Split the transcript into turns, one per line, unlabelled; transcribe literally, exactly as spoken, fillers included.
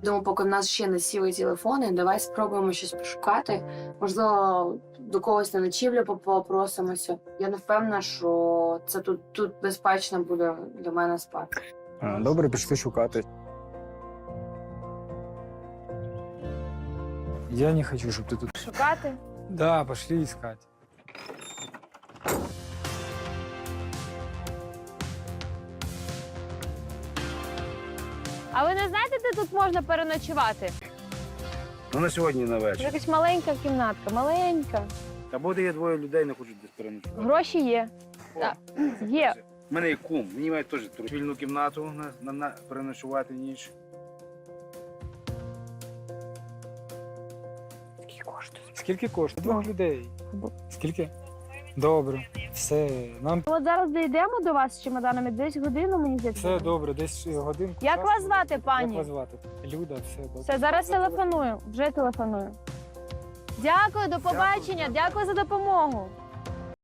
Думаю, поки в нас ще не сіли телефони, давай спробуємо щось пошукати. Можливо, до когось на ночівлю попросимося. Я не впевнена, що це тут, тут безпечно буде для мене спати.
А, добре, пішли шукати.
Я не хочу, щоб ти тут...
Шукати?
Да, пошли искать.
А ви не знаєте, де тут можна переночувати?
Ну на сьогодні на
Це
вечір.
якась маленька кімнатка, маленька.
Та буде є двоє людей, не хочуть десь переночувати.
Гроші є. Так, є.
У мене є кум, мені мають теж вільну кімнату на, на, на переночувати ніч.
Скільки коштує? Двох людей. Скільки? Добре. Все. Нам
От зараз дійдемо до вас з чемоданами, десь годину, мені здається.
все добре, десь годинку.
Як
часу.
вас звати,
Як
пані?
вас звати? Люда, все добре.
Все, зараз телефоную, вже телефоную. Дякую, до побачення, дякую за допомогу.